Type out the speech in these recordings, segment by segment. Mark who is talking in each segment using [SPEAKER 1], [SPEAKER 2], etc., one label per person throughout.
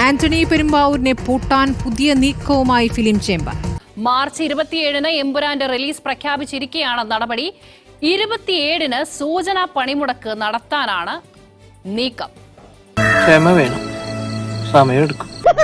[SPEAKER 1] ആന്റണി പെരുമ്പാവൂരിനെ പൂട്ടാൻ പുതിയ നീക്കവുമായി ഫിലിം ചേംബർ.
[SPEAKER 2] മാർച്ച് 27-ന് എമ്പുരാന്റെ റിലീസ് പ്രഖ്യാപിച്ചിരിക്കെയാണ് നടപടി. 27-ന് സൂചനാ പണിമുടക്ക് നടത്താനാണ് നീക്കം.
[SPEAKER 3] ക്ഷമ വേണം, സമയമെടുക്കും.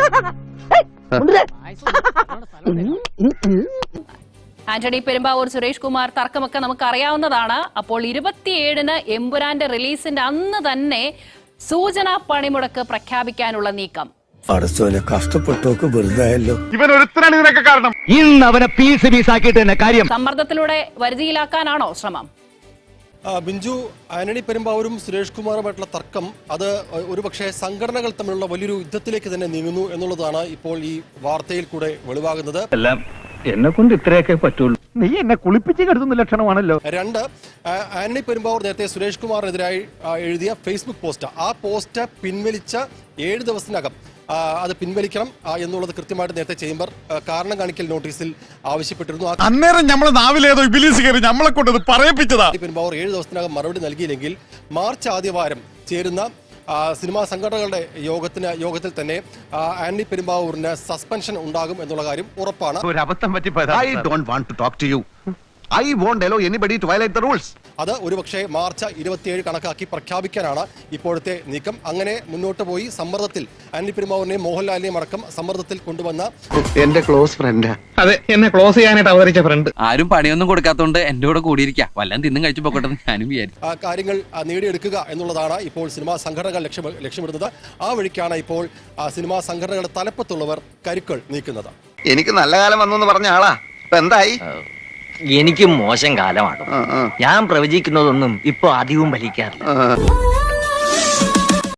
[SPEAKER 2] ആന്റണി പെരുമ്പാവൂർ, സുരേഷ് കുമാർ തർക്കമൊക്കെ നമുക്ക് അറിയാവുന്നതാണ്. അപ്പോൾ 27-ന് എമ്പുരാന്റെ റിലീസിന്റെ അന്ന് തന്നെ സൂചനാ പണിമുടക്ക് പ്രഖ്യാപിക്കാനുള്ള നീക്കം.
[SPEAKER 4] കഷ്ടപ്പെട്ടോക്ക് വെറുതായല്ലോ.
[SPEAKER 5] ഇവൻ ഒരുത്തനാണ് ഇതിനൊക്കെ കാരണം.
[SPEAKER 6] ഇന്ന് അവനെ പീസ് പീസാക്കിയിട്ട് തന്നെ കാര്യം.
[SPEAKER 2] സമ്മർദ്ദത്തിലൂടെ വരുതിയിലാക്കാനാണോ ശ്രമം?
[SPEAKER 7] ബിഞ്ചു, ആന്റണി പെരുമ്പാവൂരും സുരേഷ് കുമാറുമായിട്ടുള്ള തർക്കം അത് ഒരുപക്ഷെ സംഘടനകൾ തമ്മിലുള്ള വലിയൊരു യുദ്ധത്തിലേക്ക് തന്നെ നീങ്ങുന്നു എന്നുള്ളതാണ് ഇപ്പോൾ ഈ വാർത്തയിൽ കൂടെ വെളിവാകുന്നത്.
[SPEAKER 6] എല്ലാം എന്നെ കൊണ്ട് ഇത്രയൊക്കെ പറ്റുള്ളൂ. നീ എന്നെ കുളിപ്പിച്ച് കെടുത്തുന്ന ലക്ഷണമാണല്ലോ.
[SPEAKER 7] രണ്ട്, ആന്റണി പെരുമ്പാവൂർ നേരത്തെ സുരേഷ് കുമാറിനെതിരായി എഴുതിയ ഫേസ്ബുക്ക് പോസ്റ്റ്, ആ പോസ്റ്റ് പിൻവലിച്ച 7 ദിവസത്തിനകം അത് പിൻവലിക്കണം എന്നുള്ളത് കൃത്യമായിട്ട് നേരത്തെ ചേംബർ കാരണം കാണിക്കൽ നോട്ടീസിൽ ആവശ്യപ്പെട്ടിരുന്നു.
[SPEAKER 5] അന്നേരം നമ്മളെ നാവിലേതോ ഇബിലീസ് കയറി നമ്മളെ കൊണ്ട് പറയിപ്പിച്ചതാ.
[SPEAKER 7] പെരുമ്പാവൂർ 7 ദിവസത്തിനകം മറുപടി നൽകിയില്ലെങ്കിൽ മാർച്ച് ആദ്യവാരം ചേരുന്ന സിനിമാ സംഘടനകളുടെ യോഗത്തിൽ തന്നെ ആന്റണി പെരുമ്പാവൂരിന് സസ്പെൻഷൻ ഉണ്ടാകും എന്നുള്ള കാര്യം ഉറപ്പാണ്.
[SPEAKER 6] ഒരു അബദ്ധം പറ്റിപ്പോയതാ. I don't want to talk to you. I won't allow anybody to violate the rules.
[SPEAKER 7] അത് ഒരുപക്ഷെ മാർച്ച് 27 കണക്കാക്കി പ്രഖ്യാപിക്കാനാണ് ഇപ്പോഴത്തെ നീക്കം. അങ്ങനെ മുന്നോട്ട് പോയി സമ്മർദ്ദത്തിൽ ആന്റണി പെരുമ്പാവൂരിനെയും മോഹൻലാലിനെയും അടക്കം സമ്മർദ്ദത്തിൽ കൊണ്ടുവന്ന
[SPEAKER 6] എന്റെ ക്ലോസ് ഫ്രണ്ടാ. അതെ, എന്നെ ക്ലോസ് ചെയ്യാനായിട്ട് അവതരിച്ച ഫ്രണ്ട്.
[SPEAKER 8] ആരും പണിയൊന്നും കൊടുക്കാത്തോണ്ട് എന്റെ കൂടെ കൂടിയിരിക്കാം, വല്ലതും തിന്നും കഴിച്ചു പോകട്ടെ ഞാനും വിചാരിച്ചു.
[SPEAKER 7] കാര്യങ്ങൾ നേടിയെടുക്കുക എന്നുള്ളതാണ് ഇപ്പോൾ സിനിമാ സംഘടനകൾ ലക്ഷ്യമിടുന്നത്. ആ വഴിക്കാണ് ഇപ്പോൾ സിനിമാ സംഘടനകളുടെ തലപ്പത്തുള്ളവർ കരുക്കൾ നീക്കുന്നത്.
[SPEAKER 6] എനിക്ക് നല്ല കാലം വന്നു പറഞ്ഞ ആളാ, ഇപ്പൊ എന്തായി?
[SPEAKER 9] എനിക്കും മോശം കാലമാണ്. ഞാൻ പ്രവചിക്കുന്നതൊന്നും ഇപ്പൊ അധികവും ഫലിക്കാറില്ല.